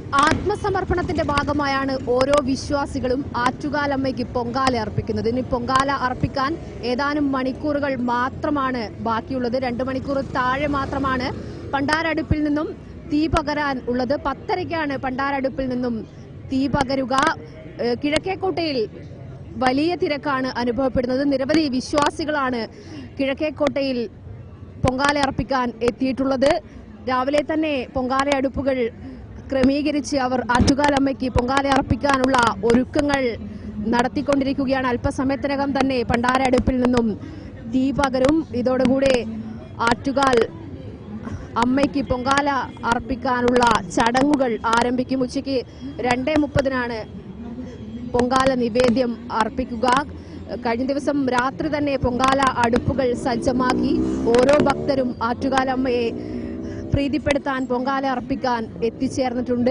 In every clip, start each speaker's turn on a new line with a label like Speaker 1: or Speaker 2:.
Speaker 1: ആത്മസമർപ്പണത്തിന്റെ ഭാഗമായാണ് ഓരോ വിശ്വാസികളും ആറ്റുകാലമ്മയ്ക്ക് പൊങ്കാല അർപ്പിക്കുന്നത്. ഇനി പൊങ്കാല അർപ്പിക്കാൻ ഏതാനും മണിക്കൂറുകൾ മാത്രമാണ് ബാക്കിയുള്ളത്. 2 മണിക്കൂർ താഴെ മാത്രമാണ് പണ്ടാരടുപ്പിൽ നിന്നും തീ പകരാൻ ഉള്ളത്. 10:30-ക്കാണ് പണ്ടാരടുപ്പിൽ നിന്നും തീ പകരുക. കിഴക്കേക്കോട്ടയിൽ വലിയ തിരക്കാണ് അനുഭവപ്പെടുന്നത്. നിരവധി വിശ്വാസികളാണ് കിഴക്കേക്കോട്ടയിൽ പൊങ്കാല അർപ്പിക്കാൻ എത്തിയിട്ടുള്ളത്. രാവിലെ തന്നെ പൊങ്കാല അടുപ്പുകൾ ക്രമീകരിച്ച് അവർ ആറ്റുകാലമ്മയ്ക്ക് പൊങ്കാല അർപ്പിക്കാനുള്ള ഒരുക്കങ്ങൾ നടത്തിക്കൊണ്ടിരിക്കുകയാണ്. അല്പസമയത്തിനകം തന്നെ പണ്ടാര അടുപ്പിൽ നിന്നും തീ പകരും. ഇതോടുകൂടെ ആറ്റുകാൽ അമ്മയ്ക്ക് പൊങ്കാല അർപ്പിക്കാനുള്ള ചടങ്ങുകൾ ആരംഭിക്കും. ഉച്ചയ്ക്ക് 2:30-നാണ് പൊങ്കാല നിവേദ്യം അർപ്പിക്കുക. കഴിഞ്ഞ ദിവസം രാത്രി തന്നെ പൊങ്കാല അടുപ്പുകൾ സജ്ജമാക്കി ഓരോ ഭക്തരും ആറ്റുകാലമ്മയെ പ്രീതിപ്പെടുത്താൻ പൊങ്കാല അർപ്പിക്കാൻ എത്തിച്ചേർന്നിട്ടുണ്ട്.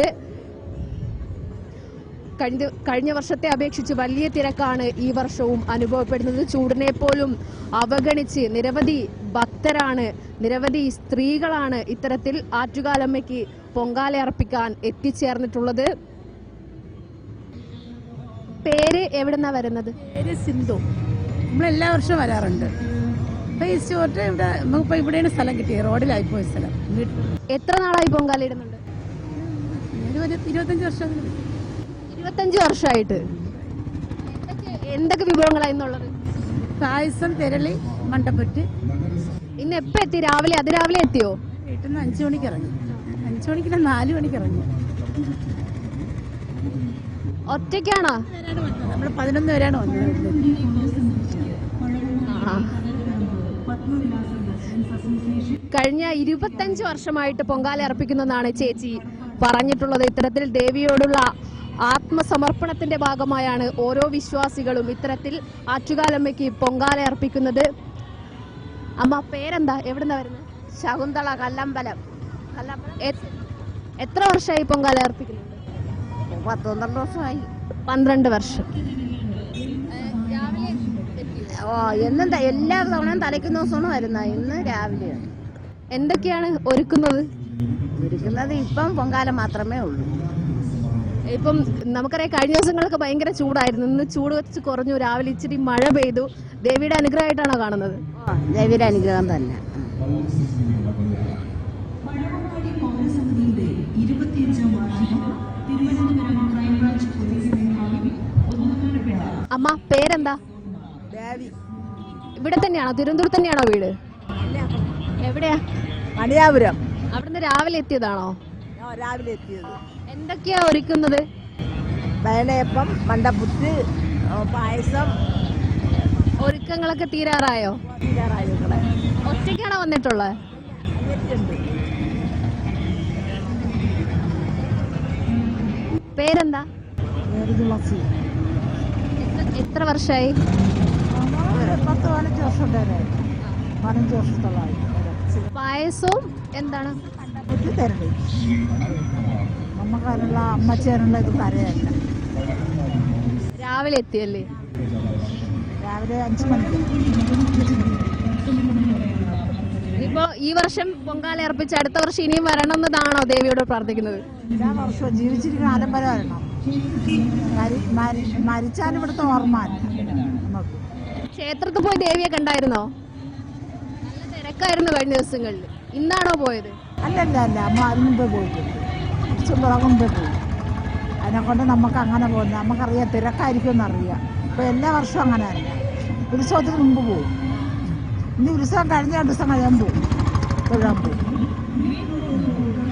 Speaker 1: കഴിഞ്ഞ വർഷത്തെ അപേക്ഷിച്ച് വലിയ തിരക്കാണ് ഈ വർഷവും അനുഭവപ്പെടുന്നത്. ചൂടിനെ പോലും അവഗണിച്ച് നിരവധി ഭക്തരാണ്, നിരവധി സ്ത്രീകളാണ് ഇത്തരത്തിൽ ആറ്റുകാലമ്മയ്ക്ക് പൊങ്കാല അർപ്പിക്കാൻ എത്തിച്ചേർന്നിട്ടുള്ളത്. പേര് എവിടെന്നാ വരുന്നത്?
Speaker 2: പേര് സിന്ധു. നമ്മളെല്ലാ വർഷവും വരാറുണ്ട്. ഇവിടെയാണ് സ്ഥലം കിട്ടിയത്, റോഡിലായിപ്പോയ സ്ഥലം.
Speaker 1: എത്ര നാളായി പൊങ്കാല ഇടുന്നുണ്ട്?
Speaker 2: 25 വർഷം.
Speaker 1: 25 വർഷമായിട്ട് എന്തൊക്കെ വിഭവങ്ങളായിരുന്നുള്ളത്?
Speaker 2: പായസം, തിരളി, മണ്ടപ്പുറ്റ്.
Speaker 1: ഇന്ന് എപ്പോ എത്തി? രാവിലെ അതിരാവിലെ എത്തിയോ?
Speaker 2: വീട്ടിൽ നിന്ന് 5 മണിക്ക് ഇറങ്ങി. 5 മണിക്ക് 4 മണിക്ക് ഇറങ്ങി.
Speaker 1: ഒറ്റയ്ക്കാണോ?
Speaker 2: നമ്മൾ 11 പേരാണ് വന്നത്.
Speaker 1: കഴിഞ്ഞ 25 വർഷമായിട്ട് പൊങ്കാല അർപ്പിക്കുന്നതാണ് ചേച്ചി പറഞ്ഞിട്ടുള്ളത്. ഇത്തരത്തിൽ ദേവിയോടുള്ള ആത്മസമർപ്പണത്തിന്റെ ഭാഗമായാണ് ഓരോ വിശ്വാസികളും ഇത്തരത്തിൽ ആറ്റുകാലമ്മയ്ക്ക് പൊങ്കാല അർപ്പിക്കുന്നത്. അമ്മ പേരെന്താ? എവിടുന്നാ വരുന്നത്?
Speaker 3: ശകുന്തള, കല്ലമ്പലം.
Speaker 1: എത്ര വർഷമായി പൊങ്കാല അർപ്പിക്കുന്നുണ്ട്?
Speaker 3: 12 വർഷമായി.
Speaker 1: 12 വർഷം.
Speaker 3: എന്നും എല്ലാ തവണയും തലയ്ക്കുന്ന ദിവസമാണ് വരുന്നത്. ഇന്ന് രാവിലെയാണ്.
Speaker 1: എന്തൊക്കെയാണ് ഒരുക്കുന്നത്?
Speaker 3: ഇപ്പം പൊങ്കാല മാത്രമേ ഉള്ളൂ.
Speaker 1: ഇപ്പം നമുക്കറിയാം കഴിഞ്ഞ ദിവസങ്ങളൊക്കെ ഭയങ്കര ചൂടായിരുന്നു. ഇന്ന് ചൂട് വെച്ച് കുറഞ്ഞു. രാവിലെ ഇച്ചിരി മഴ പെയ്തു. ദേവിയുടെ അനുഗ്രഹമായിട്ടാണോ കാണുന്നത്?
Speaker 3: ദേവിയുടെ അനുഗ്രഹം തന്നെ.
Speaker 1: അമ്മ പേരെന്താ? ഇവിടെ തന്നെയാണോ? തിരുവനന്തപുരത്ത് തന്നെയാണോ വീട്? എവിടെയാ?
Speaker 3: മണിയാപുരം.
Speaker 1: അവിടുന്ന് രാവിലെ എത്തിയതാണോ?
Speaker 3: രാവിലെ എത്തിയത്.
Speaker 1: എന്തൊക്കെയാ ഒരുക്കുന്നത്?
Speaker 3: ബയലയപ്പം, മണ്ടപ്പുറ്റ്, പായസം.
Speaker 1: ഒരുക്കങ്ങളൊക്കെ തീരാറായോ? ഒറ്റയ്ക്കാണോ വന്നിട്ടുള്ളത്? പേരെന്താ? എത്ര വർഷമായി?
Speaker 3: 10-15 വർഷം. 15 വർഷത്തോളമായി.
Speaker 1: പായസവും എന്താണ്?
Speaker 3: തരണ്ടേ നമുക്കതിനുള്ള അമ്മച്ചേനുള്ള ഇത് തരയല്ല.
Speaker 1: രാവിലെ എത്തിയല്ലേ?
Speaker 3: രാവിലെ 5 മണിക്ക്.
Speaker 1: ഇപ്പോ ഈ വർഷം പൊങ്കാല അർപ്പിച്ച് അടുത്ത വർഷം ഇനിയും വരണമെന്നതാണോ ദേവിയോട് പ്രാർത്ഥിക്കുന്നത്?
Speaker 3: എല്ലാ വർഷവും ജീവിച്ചിരിക്കുന്ന കാലം വരെ വരണം. മരിച്ചാലും ഇവിടുത്തെ ഓർമ്മ നമുക്ക്.
Speaker 1: ക്ഷേത്രത്തിൽ പോയി ദേവിയെ കണ്ടായിരുന്നോ? നല്ല തിരക്കായിരുന്നു കഴിഞ്ഞ ദിവസങ്ങളിൽ. ഇന്നാണോ പോയത്?
Speaker 3: അല്ല അമ്മ അതിന് മുമ്പേ പോയിട്ടുണ്ട്. കുറച്ചും മുമ്പേ പോയി. അതിനെക്കൊണ്ട് നമുക്ക് അങ്ങനെ പോകുന്നത് നമുക്കറിയാം, തിരക്കായിരിക്കും എന്നറിയാം. ഇപ്പം എല്ലാ വർഷവും അങ്ങനെ അല്ല. ഉത്സവത്തിന് മുമ്പ് പോകും. ഇനി ഉത്സവം കഴിഞ്ഞ 2 ദിവസം കഴിയാൻ പോകും. തൊഴാൻ പോകും.